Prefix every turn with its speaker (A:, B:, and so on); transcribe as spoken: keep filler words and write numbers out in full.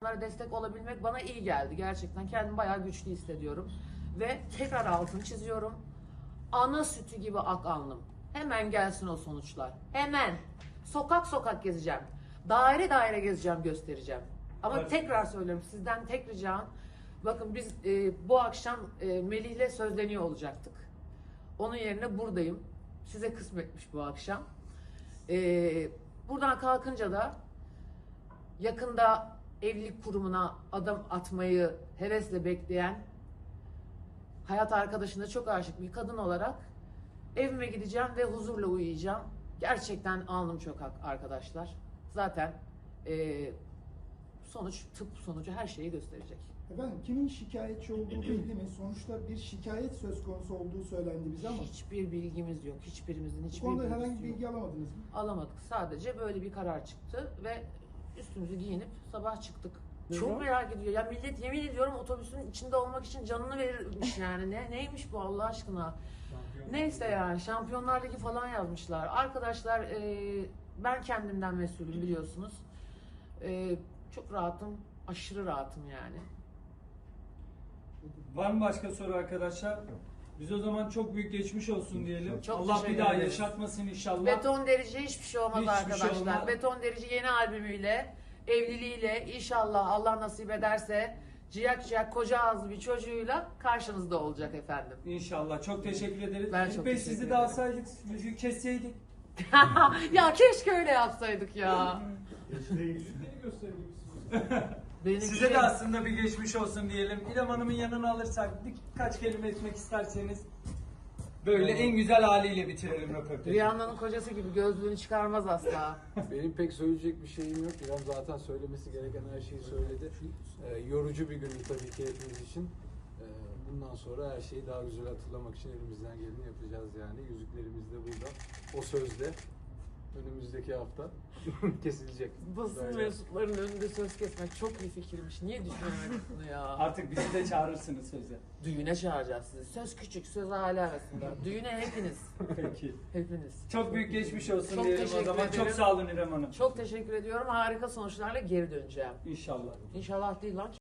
A: çocuklara destek olabilmek bana iyi geldi. Gerçekten kendimi bayağı güçlü hissediyorum. Ve tekrar altını çiziyorum. Ana sütü gibi ak alnım. Hemen gelsin o sonuçlar. Hemen. Sokak sokak gezeceğim. Daire daire gezeceğim, göstereceğim. Ama
B: Evet.
A: tekrar söylüyorum, sizden tek ricam, bakın biz e, bu akşam e, Melih'le sözleniyor olacaktık. Onun yerine buradayım. Size kısmetmiş bu akşam. E, buradan kalkınca da yakında evlilik kurumuna adım atmayı hevesle bekleyen, hayat arkadaşına çok aşık bir kadın olarak evime gideceğim ve huzurla uyuyacağım. Gerçekten alnım çok ak arkadaşlar. Zaten e, sonuç, tıp sonucu her şeyi gösterecek.
C: Efendim kimin şikayetçi olduğu belli mi? Sonuçta bir şikayet söz konusu olduğu söylendi bize ama
A: Hiçbir bilgimiz yok. Hiçbirimizin
C: bu
A: hiçbir
C: konuda
A: bilgisi
C: herhangi bir
A: yok.
C: bilgi alamadınız mı?
A: Alamadık. Sadece böyle bir karar çıktı ve üstümüzü giyinip sabah çıktık.
C: Neden?
A: Çok merak ediyor. Ya millet yemin ediyorum otobüsün içinde olmak için canını verirmiş yani. Ne neymiş bu Allah aşkına? Neyse yani Şampiyonlar Ligi falan yazmışlar. Arkadaşlar e, ben kendimden mesulüm biliyorsunuz. E, çok rahatım. Aşırı rahatım yani.
B: Var mı başka soru arkadaşlar? Biz o zaman çok büyük geçmiş olsun diyelim.
A: Çok
B: Allah bir
A: teşekkür
B: daha
A: ederiz.
B: yaşatmasın inşallah.
A: Beton Derici hiçbir şey olmaz
B: Hiçbir şey
A: arkadaşlar.
B: olmaz.
A: Beton Derici yeni albümüyle, evliliğiyle inşallah Allah nasip ederse ciyak ciyak koca ağızlı bir çocuğuyla karşınızda olacak efendim.
B: İnşallah. Çok teşekkür ederiz.
A: Ben
B: Elif
A: çok
B: Bey,
A: teşekkür
B: sizi de
A: ederim.
B: alsaydık, yüzüğü kesseydik.
A: Ya keşke öyle yapsaydık ya. Benimki-
B: Size de aslında bir geçmiş olsun diyelim. İrem Hanım'ın yanına alırsak birkaç kelime etmek isterseniz böyle en güzel haliyle bitirelim röportajı.
A: Rihanna'nın kocası gibi gözlüğünü çıkarmaz asla.
D: Benim pek söyleyecek bir şeyim yok. İrem zaten söylemesi gereken her şeyi söyledi. Ee, yorucu bir gündü tabii ki hepimiz için. Ee, bundan sonra her şeyi daha güzel hatırlamak için elimizden geleni yapacağız yani. Yüzüklerimiz de burada. O sözle önümüzdeki hafta kesilecek.
A: Basın
D: Böyle.
A: mensuplarının önünde söz kesmek çok iyi fikirmiş. Niye düşünemedik bunu ya?
B: Artık bizi de çağırırsınız söze.
A: Düğüne çağıracağız sizi. Söz küçük, söz aile arasında. Düğüne hepiniz.
B: Peki.
A: Hepiniz.
B: Çok büyük geçmiş olsun
A: Çok
B: diyelim o
A: teşekkür
B: zaman.
A: ederim.
B: Çok sağ olun İrem Hanım.
A: Çok teşekkür ediyorum. Harika sonuçlarla geri döneceğim.
B: İnşallah.
A: İnşallah değil lan.